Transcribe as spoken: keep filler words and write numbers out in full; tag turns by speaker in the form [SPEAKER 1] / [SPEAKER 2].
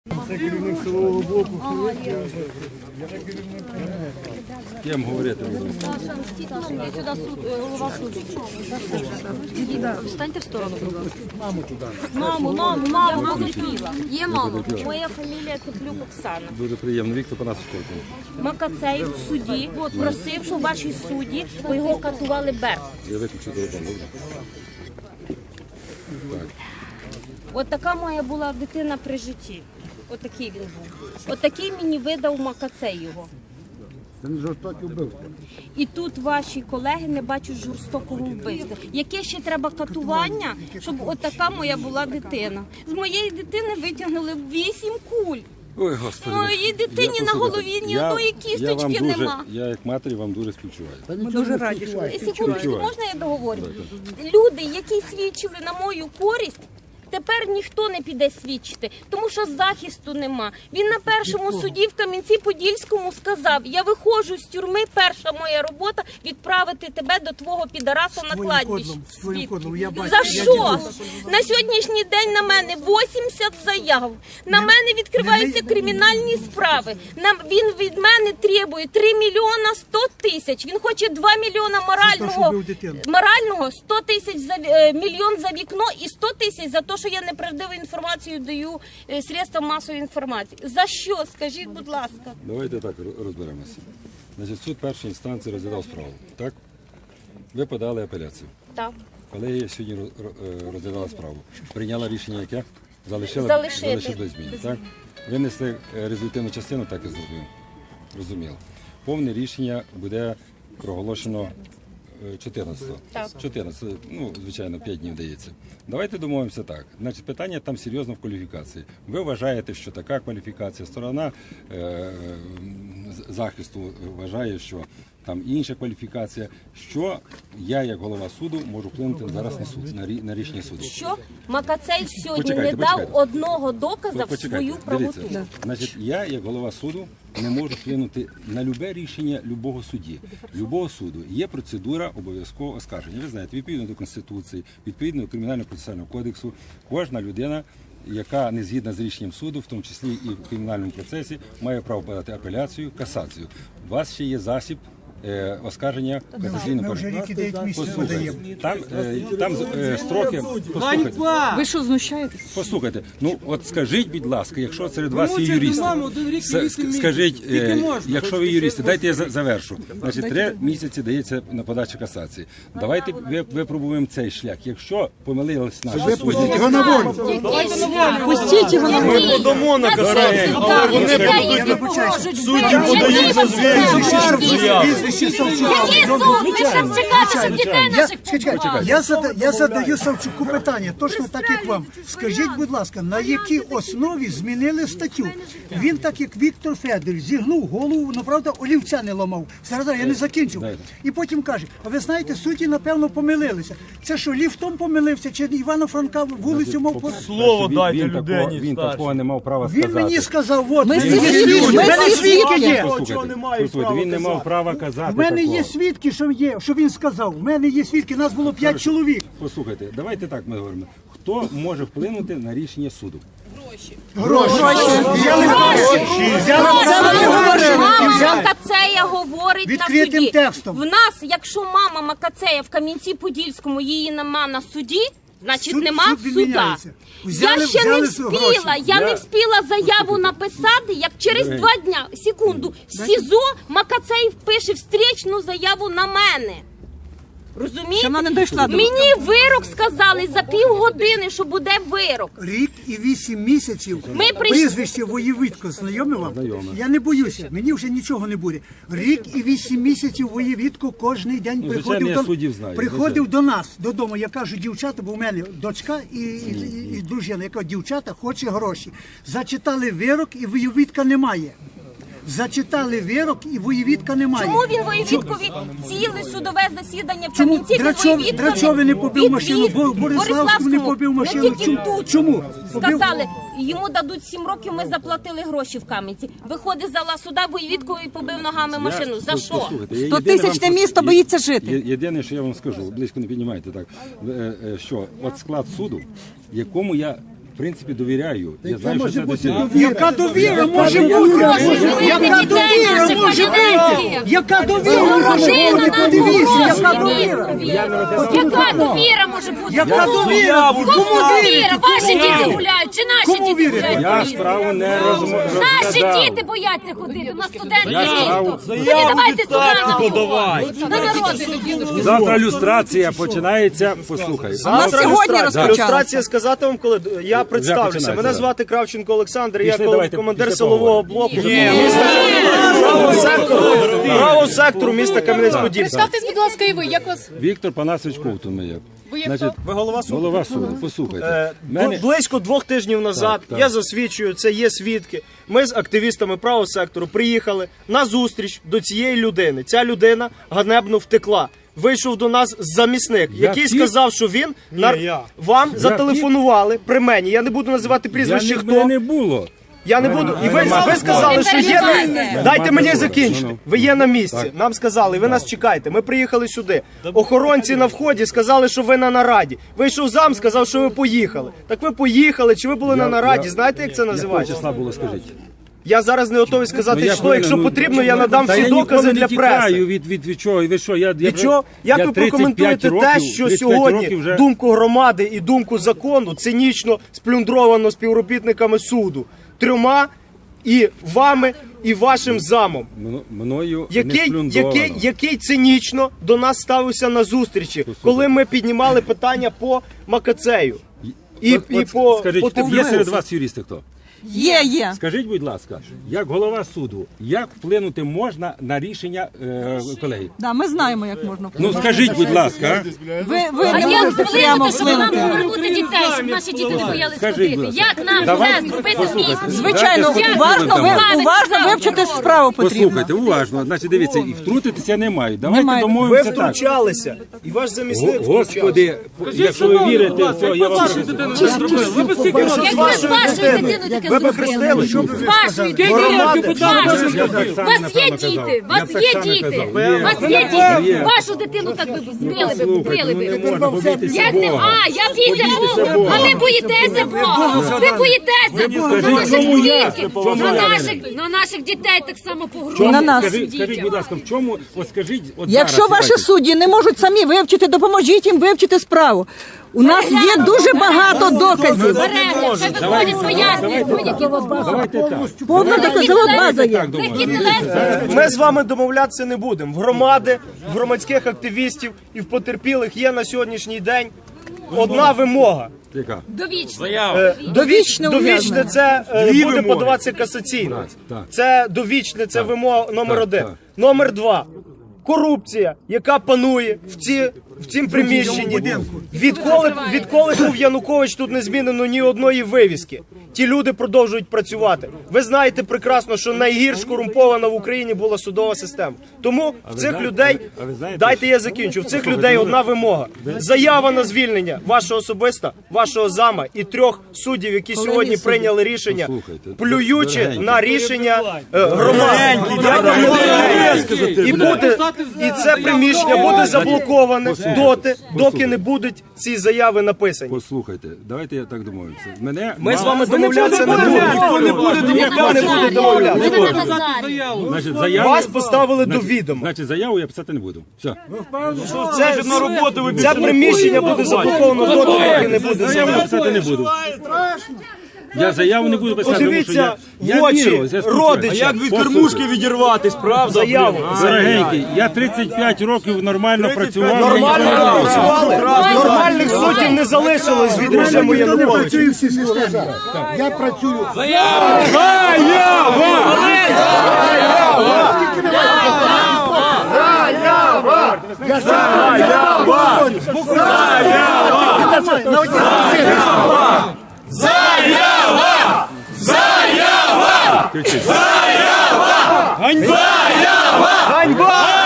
[SPEAKER 1] Це керівник силового блоку.
[SPEAKER 2] Ким говорити буду?
[SPEAKER 3] Я сюди суд, голова суду. Встаньте в сторону, будь ласка.
[SPEAKER 1] Маму туди.
[SPEAKER 3] Маму, маму, маму, маму Тепліва. Є мама. Моя фамілія Теплюк Оксана.
[SPEAKER 2] Дуже приємно. Віктор Панасович.
[SPEAKER 3] Макацей в суді просив, що в вашій суді, бо його катували Берт.
[SPEAKER 2] Я виключу телефон, добре? Так.
[SPEAKER 3] От така моя була дитина при житті. Отакий він був. Отакий мені видав Макацей його.
[SPEAKER 1] Це не жорстокі вбивства.
[SPEAKER 3] І тут ваші колеги не бачать жорстокого вбивства. Яке ще треба катування, щоб отака моя була дитина. З моєї дитини витягнули вісім куль.
[SPEAKER 2] Ой, Господи.
[SPEAKER 3] Моїй дитині
[SPEAKER 2] Я
[SPEAKER 3] на
[SPEAKER 2] послухайте,
[SPEAKER 3] голові ні
[SPEAKER 2] я-
[SPEAKER 3] одної
[SPEAKER 2] я вам
[SPEAKER 3] кісточки
[SPEAKER 2] дуже-
[SPEAKER 3] нема.
[SPEAKER 2] Я як матері вам дуже співчуваю.
[SPEAKER 1] Ми дуже раді, що
[SPEAKER 3] Секундочку, можна я договорю? Люди, які свідчили на мою користь, тепер ніхто не піде свідчити, тому що захисту нема. Він на першому суді в Кам'янці-Подільському сказав: я виходжу з тюрми, перша моя робота відправити тебе до твого підараса на кладбище. За що? На сьогоднішній день на мене вісімдесят заяв. На мене відкриваються кримінальні справи. На, він від мене требує три мільйона сто тисяч. Він хоче два мільйона морального, морального сто тисяч за е, мільйон за вікно і сто тисяч за те, що я неправдиву інформацію даю е, средствам масової інформації. За що? Скажіть, будь ласка.
[SPEAKER 2] Давайте так розберемося. Значить, суд першої інстанції розглядав справу, так? Ви подали апеляцію.
[SPEAKER 3] Так.
[SPEAKER 2] Колегія сьогодні роз- розглядала справу. Прийняла рішення яке? Залишила,
[SPEAKER 3] Залишити.
[SPEAKER 2] залишити без змін, так? Винесли е, результативну частину, так і зробив. Розуміло. Повне рішення буде проголошено е, чотирнадцятого.
[SPEAKER 3] Так.
[SPEAKER 2] чотирнадцятого, ну, звичайно, п'ять днів дається. Давайте домовимося так. Значить, питання там серйозно в кваліфікації. Ви вважаєте, що така кваліфікація, сторона е, з- захисту вважає, що там інша кваліфікація. Що я, як голова суду, можу вплинути зараз на суд, на, рі, на рішення суду?
[SPEAKER 3] Що? Макацей сьогодні
[SPEAKER 2] Почекайте,
[SPEAKER 3] не дав
[SPEAKER 2] почекайте.
[SPEAKER 3] одного доказа в
[SPEAKER 2] Почекайте,
[SPEAKER 3] свою правоту.
[SPEAKER 2] дивіться. Значить, я, як голова суду, не можу вплинути на любе рішення любого судді. Любого суду є процедура обов'язкового оскарження. Ви знаєте, відповідно до Конституції, відповідно до Кримінально-процесуального кодексу, кожна людина, яка не згідна з рішенням суду, в тому числі і в кримінальному процесі, має право подати апеляцію, касацію. У вас ще є засіб е, оскарження касаційного
[SPEAKER 4] Ми вже рік і дев'ять місяців
[SPEAKER 2] Послухайте,
[SPEAKER 4] подаємо.
[SPEAKER 2] там, е, там е, строки. Послухайте,
[SPEAKER 5] Ви що, знущаєтесь?
[SPEAKER 2] послухайте, ну от скажіть, будь ласка, якщо серед вас є
[SPEAKER 5] мовчите,
[SPEAKER 2] юристи,
[SPEAKER 5] мамо, один рік і
[SPEAKER 2] с-
[SPEAKER 5] вісім місяців.
[SPEAKER 2] скажіть, е,
[SPEAKER 5] Скільки можна?
[SPEAKER 2] якщо ви юристи, дайте я за- завершу. Значить, три місяці дається на подачу касації. Давайте ви- випробуємо цей шлях. Якщо помилились наші судді,
[SPEAKER 1] Випустіть його на волю.
[SPEAKER 5] Пустіть його на
[SPEAKER 6] Ми подамо на касацію, але вони будуть судді подають за звільнення.
[SPEAKER 4] Прізвище Савчука. Я, чекайте, я, зада, я задаю Савчуку питання, точно так, як вам. Скажіть, будь ласка, на якій основі змінили статтю? Він, так як Віктор Федорович, зігнув голову, ну, правда, олівця не ламав. Зараз я не закінчив. І потім каже: а ви знаєте, судді, напевно, помилилися. Це що, ліфтом помилився, чи Івана Франка вулицю мав по...
[SPEAKER 6] Слово
[SPEAKER 2] він,
[SPEAKER 6] дайте
[SPEAKER 2] він, такого,
[SPEAKER 6] людині
[SPEAKER 2] він
[SPEAKER 6] старшій.
[SPEAKER 2] такого не мав права
[SPEAKER 4] Він
[SPEAKER 2] сказати.
[SPEAKER 4] мені сказав: от,
[SPEAKER 5] Ми
[SPEAKER 4] в мене
[SPEAKER 5] всі
[SPEAKER 4] є
[SPEAKER 5] свідки,
[SPEAKER 4] свідки, в
[SPEAKER 5] ми
[SPEAKER 4] мене
[SPEAKER 5] всі
[SPEAKER 4] свідки
[SPEAKER 5] свідки.
[SPEAKER 4] є.
[SPEAKER 2] Послухайте,
[SPEAKER 6] немає
[SPEAKER 2] послухайте,
[SPEAKER 6] права
[SPEAKER 2] він не мав
[SPEAKER 6] казати.
[SPEAKER 2] права казати
[SPEAKER 4] В мене
[SPEAKER 2] такого.
[SPEAKER 4] є свідки, що є, що він сказав. В мене є свідки, нас було п'ять чоловік.
[SPEAKER 2] Послухайте, давайте так ми говоримо. Хто може вплинути на рішення суду?
[SPEAKER 4] Гроші. Взяли гроші. Взяли гроші.
[SPEAKER 3] Мама Макацея говорить на
[SPEAKER 4] Відкритим
[SPEAKER 3] суді.
[SPEAKER 4] текстом.
[SPEAKER 3] В нас, якщо мама Макацея в Кам'янці-Подільському, її нема на суді, значить
[SPEAKER 4] Суд-
[SPEAKER 3] нема
[SPEAKER 4] суд
[SPEAKER 3] суда.
[SPEAKER 4] відміняється. Взяли-
[SPEAKER 3] Я ще
[SPEAKER 4] взяли
[SPEAKER 3] не
[SPEAKER 4] гроші.
[SPEAKER 3] вспіла, я не вспіла заяву написати, як через два дня, секунду, в СІЗО Макацей пише встречну заяву на мене. Розумієте?
[SPEAKER 5] Ще вона не дійшла до-
[SPEAKER 3] Мені вирок сказали за півгодини, що буде вирок.
[SPEAKER 4] Рік і вісім місяців.
[SPEAKER 3] Ми прийшли-
[SPEAKER 4] Прізвище Воєвідко знайоме вам?
[SPEAKER 2] Знайоме.
[SPEAKER 4] Я не боюся, мені вже нічого не буде. Рік і вісім місяців Воєвідко кожен день
[SPEAKER 2] Ну,
[SPEAKER 4] приходив,
[SPEAKER 2] звичайно, я
[SPEAKER 4] до,
[SPEAKER 2] суддів знаю,
[SPEAKER 4] приходив
[SPEAKER 2] звичайно.
[SPEAKER 4] до нас додому. Я кажу: дівчата, бо в мене дочка і, і, і, і дружина. Я кажу: дівчата, хоче гроші. Зачитали вирок, і Воєвідка немає. Зачитали вирок, і Воєвідка немає.
[SPEAKER 3] Чому він Воєвідкові ціле судове засідання в
[SPEAKER 4] Чому
[SPEAKER 3] Кам'янці
[SPEAKER 4] Драчов,
[SPEAKER 3] Воєвідкові
[SPEAKER 4] Драчові не побив машину,
[SPEAKER 3] відвів?
[SPEAKER 4] Бо- Бориславську не побив машину?
[SPEAKER 3] Не тільки
[SPEAKER 4] Чому?
[SPEAKER 3] тут.
[SPEAKER 4] Чому? Побив?
[SPEAKER 3] Сказали, йому дадуть сім років, ми заплатили гроші в Кам'янці. Виходить з зала суда, Воєвідкові і побив ногами машину. За що?
[SPEAKER 2] Послухайте, я
[SPEAKER 5] Сто
[SPEAKER 2] єдине
[SPEAKER 5] тисячне
[SPEAKER 2] вам-
[SPEAKER 5] місто
[SPEAKER 2] є-
[SPEAKER 5] боїться жити.
[SPEAKER 2] є- Єдине, що я вам скажу, близько не піднімайте так, е, е, що от склад суду, якому я в принципі, довіряю. Я знаю, що
[SPEAKER 1] може
[SPEAKER 2] це
[SPEAKER 1] бути
[SPEAKER 2] доцільно.
[SPEAKER 1] довіра?
[SPEAKER 4] Яка довіра може бути? Яка довіра може бути? Яка довіра може бути? Подивіться, яка довіра?
[SPEAKER 3] Яка довіра може бути?
[SPEAKER 4] Яка довіра?
[SPEAKER 3] Кому
[SPEAKER 4] Кому
[SPEAKER 3] довіра?
[SPEAKER 4] вірити?
[SPEAKER 3] Ваші діти гуляють чи наші
[SPEAKER 4] Кому
[SPEAKER 3] діти
[SPEAKER 4] вірити?
[SPEAKER 3] гуляють?
[SPEAKER 2] Я
[SPEAKER 3] по місту?
[SPEAKER 2] справу не розмовляю.
[SPEAKER 3] Наші діти бояться ходити, у нас студентське
[SPEAKER 2] Я справу-
[SPEAKER 3] місто. Тоді давайте сюди на на народи.
[SPEAKER 2] Завтра люстрація починається. Послухай.
[SPEAKER 5] нас
[SPEAKER 7] Завтра
[SPEAKER 5] сьогодні
[SPEAKER 7] люстрація.
[SPEAKER 5] розпочалася.
[SPEAKER 7] Люстрація сказати вам, коли я представлюся.
[SPEAKER 2] починається,
[SPEAKER 7] Мене
[SPEAKER 2] да.
[SPEAKER 7] звати Кравченко Олександр, я
[SPEAKER 2] Пішли,
[SPEAKER 7] кол-
[SPEAKER 2] давайте,
[SPEAKER 7] командир
[SPEAKER 2] після
[SPEAKER 7] силового
[SPEAKER 2] поговоримо.
[SPEAKER 7] блоку міста правого сектору, правого сектору міста Кам'янець-Подільський.
[SPEAKER 8] Представтесь, будь ласка, і ви, як вас?
[SPEAKER 2] Віктор Панасович Ковтун ми як.
[SPEAKER 8] Ви як
[SPEAKER 2] Значить,
[SPEAKER 7] Ви голова суду?
[SPEAKER 2] голова суду, послухайте.
[SPEAKER 7] Е,
[SPEAKER 2] Мене-
[SPEAKER 7] Близько двох тижнів назад,
[SPEAKER 2] Так, так.
[SPEAKER 7] я засвідчую, це є свідки. Ми з активістами правого сектору приїхали на зустріч до цієї людини. Ця людина ганебно втекла. Вийшов до нас замісник,
[SPEAKER 2] Я
[SPEAKER 7] який
[SPEAKER 2] втік?
[SPEAKER 7] сказав, що він на... вам зателефонували при мені. Я не буду називати
[SPEAKER 2] Я
[SPEAKER 7] прізвище,
[SPEAKER 2] не,
[SPEAKER 7] хто.
[SPEAKER 2] мене не було.
[SPEAKER 7] Я не буду. І ви, ви сказали, що є на... Дайте мені закінчити. Ви є на місці. Нам сказали, ви нас чекаєте. Ми приїхали сюди. Охоронці на вході сказали, що ви на нараді. Вийшов зам, сказав, що ви поїхали. Так ви поїхали, чи ви були на нараді? Знаєте, як це
[SPEAKER 2] Якого
[SPEAKER 7] називається?
[SPEAKER 2] числа було, скажіть?
[SPEAKER 7] Я зараз не готовий
[SPEAKER 2] Ну,
[SPEAKER 7] сказати
[SPEAKER 2] я
[SPEAKER 7] число.
[SPEAKER 2] хвилину,
[SPEAKER 7] Якщо
[SPEAKER 2] ну,
[SPEAKER 7] потрібно, я надам
[SPEAKER 2] та
[SPEAKER 7] всі
[SPEAKER 2] я
[SPEAKER 7] докази
[SPEAKER 2] ніколи
[SPEAKER 7] для
[SPEAKER 2] не тікаю
[SPEAKER 7] преси.
[SPEAKER 2] від, від, від чого? І ви що? Я, я,
[SPEAKER 7] Від чого? Як
[SPEAKER 2] я
[SPEAKER 7] ви
[SPEAKER 2] тридцять
[SPEAKER 7] прокоментуєте
[SPEAKER 2] п'ять
[SPEAKER 7] те,
[SPEAKER 2] років-
[SPEAKER 7] що
[SPEAKER 2] тридцять п'ять
[SPEAKER 7] сьогодні
[SPEAKER 2] років вже...
[SPEAKER 7] думку громади і думку закону цинічно сплюндровано співробітниками суду трьома і вами, і вашим замом,
[SPEAKER 2] Мно- мною не
[SPEAKER 7] який,
[SPEAKER 2] сплюндровано.
[SPEAKER 7] який, який цинічно до нас ставився на зустрічі, коли ми піднімали питання по Макацею. І,
[SPEAKER 2] От-
[SPEAKER 7] і
[SPEAKER 2] от
[SPEAKER 7] по,
[SPEAKER 2] скажіть,
[SPEAKER 7] по
[SPEAKER 2] є
[SPEAKER 7] Товмилу.
[SPEAKER 2] серед вас юристи хто?
[SPEAKER 5] Є, є.
[SPEAKER 2] Скажіть, будь ласка, як голова суду, як вплинути можна на рішення е, колеги?
[SPEAKER 5] Да, ми знаємо, як можна
[SPEAKER 2] Ну
[SPEAKER 5] вплинути.
[SPEAKER 2] скажіть, будь ласка, а?
[SPEAKER 5] Ви, ви
[SPEAKER 3] А
[SPEAKER 5] не
[SPEAKER 3] як
[SPEAKER 5] можете прямо
[SPEAKER 3] вплинути, щоб нам
[SPEAKER 5] вплинути.
[SPEAKER 3] повернути дітей, щоб наші діти не боялись
[SPEAKER 2] Скажіть, будь
[SPEAKER 3] ходити?
[SPEAKER 2] ласка.
[SPEAKER 3] Як нам
[SPEAKER 2] Давай-
[SPEAKER 3] це зробити в місті?
[SPEAKER 5] Звичайно,
[SPEAKER 2] Дайте
[SPEAKER 5] уважно,
[SPEAKER 2] спокійно
[SPEAKER 5] ви,
[SPEAKER 2] там.
[SPEAKER 5] уважно вивчити справу потрібно.
[SPEAKER 2] Послухайте, уважно. Значить, дивіться, і втрутитися не мають. Давайте
[SPEAKER 5] Немає.
[SPEAKER 7] Ви
[SPEAKER 2] домовимося так.
[SPEAKER 7] втручалися, і ваш замісник
[SPEAKER 2] Го-
[SPEAKER 7] втручався.
[SPEAKER 2] Господи, якщо ви вірите, то я вам скажу.
[SPEAKER 3] Як ви з вашою дитиною таке
[SPEAKER 7] Ви б
[SPEAKER 3] зробили?
[SPEAKER 7] хрестили, що б
[SPEAKER 3] З вашою дитиною.
[SPEAKER 7] Громади.
[SPEAKER 3] З вашою.
[SPEAKER 2] Я так
[SPEAKER 3] У
[SPEAKER 2] само,
[SPEAKER 3] вас є
[SPEAKER 2] напевно,
[SPEAKER 3] діти,
[SPEAKER 2] казав.
[SPEAKER 3] у вас
[SPEAKER 2] Я
[SPEAKER 3] є
[SPEAKER 2] так само
[SPEAKER 3] діти,
[SPEAKER 2] казав.
[SPEAKER 3] у
[SPEAKER 2] Є.
[SPEAKER 3] вас є
[SPEAKER 2] Є.
[SPEAKER 3] діти. Вашу дитину так би збили би,
[SPEAKER 2] Слухайте,
[SPEAKER 3] побили
[SPEAKER 2] ну не
[SPEAKER 3] би.
[SPEAKER 2] можна побитися
[SPEAKER 3] Як не,
[SPEAKER 2] Бога.
[SPEAKER 3] а, я бійся Бога, а ви боїтеся Бога, ви боїтеся Бога, на наших свідків, на наших, на наших дітей так само погрожують.
[SPEAKER 5] На нас.
[SPEAKER 2] Скажіть, скажіть, будь ласка, в чому, от скажіть, от
[SPEAKER 5] Якщо
[SPEAKER 2] зараз,
[SPEAKER 5] ваші
[SPEAKER 2] давайте.
[SPEAKER 5] судді не можуть самі вивчити, допоможіть їм вивчити справу. У нас є дуже багато доказів.
[SPEAKER 3] Перегляд, це виходять пояснюють, будь-які вас
[SPEAKER 2] Давайте так.
[SPEAKER 5] Повна доказова база є.
[SPEAKER 3] Такі телеси.
[SPEAKER 7] Ми з вами домовлятися не будемо. В громади, в громадських активістів і в потерпілих є на сьогоднішній день одна вимога.
[SPEAKER 2] Яка?
[SPEAKER 3] Довічно.
[SPEAKER 7] Е,
[SPEAKER 5] Довічне
[SPEAKER 7] Довічне
[SPEAKER 5] ув'язнення.
[SPEAKER 7] це е, буде подаватися касаційно.
[SPEAKER 2] Так, так.
[SPEAKER 7] Це довічне, це вимога номер
[SPEAKER 2] Так,
[SPEAKER 7] один.
[SPEAKER 2] так.
[SPEAKER 7] Номер два. Корупція, яка панує в ці в цім приміщенні. Відколи відколи був Янукович, тут не змінено ні одної вивіски. Ті люди продовжують працювати. Ви знаєте прекрасно, що найгірш корумпована в Україні була судова система. Тому в цих
[SPEAKER 2] знаєте-
[SPEAKER 7] людей,
[SPEAKER 2] а ви знаєте,
[SPEAKER 7] дайте я закінчу, в цих людей одна вимога. Заява на звільнення вашого особиста, вашого зама і трьох суддів, які сьогодні прийняли рішення,
[SPEAKER 2] Послухайте,
[SPEAKER 7] плюючи
[SPEAKER 2] дорогенькі.
[SPEAKER 7] на рішення е, громади. Я вам не легенькі. І буде і це приміщення буде заблоковане доти, доки не будуть ці заяви написані.
[SPEAKER 2] Послухайте, давайте я так домовимося. Мене
[SPEAKER 7] Ми з
[SPEAKER 2] мало-
[SPEAKER 7] вами домовлятися не будемо. Ніхто не буде ніхто не буде домовлятися.
[SPEAKER 3] Ви на Назарі.
[SPEAKER 2] Значить, заяву,
[SPEAKER 7] Вас поставили до
[SPEAKER 2] значить,
[SPEAKER 7] відома.
[SPEAKER 2] Значить, заяву я писати не буду. Все.
[SPEAKER 7] Це на роботу. Це приміщення буде заблоковано доти, доки не буде
[SPEAKER 2] Заяву я
[SPEAKER 7] заяви.
[SPEAKER 2] писати не буду. Я заяву не буду писати, тому що
[SPEAKER 7] Подивіться
[SPEAKER 2] я, я
[SPEAKER 7] в очі
[SPEAKER 2] вірю, я спілкуюся.
[SPEAKER 7] родича.
[SPEAKER 6] Як від кормушки відірватись, правда?
[SPEAKER 7] Заяву.
[SPEAKER 2] Дорогенький, я тридцять п'ять років нормально працював.
[SPEAKER 7] Нормально
[SPEAKER 2] я ніколи не
[SPEAKER 7] працювали. Нормальних суддів не залишилось від режиму
[SPEAKER 1] Я не
[SPEAKER 7] Януковича.
[SPEAKER 1] працюю в цій системі. Я працюю.
[SPEAKER 7] Ганьба!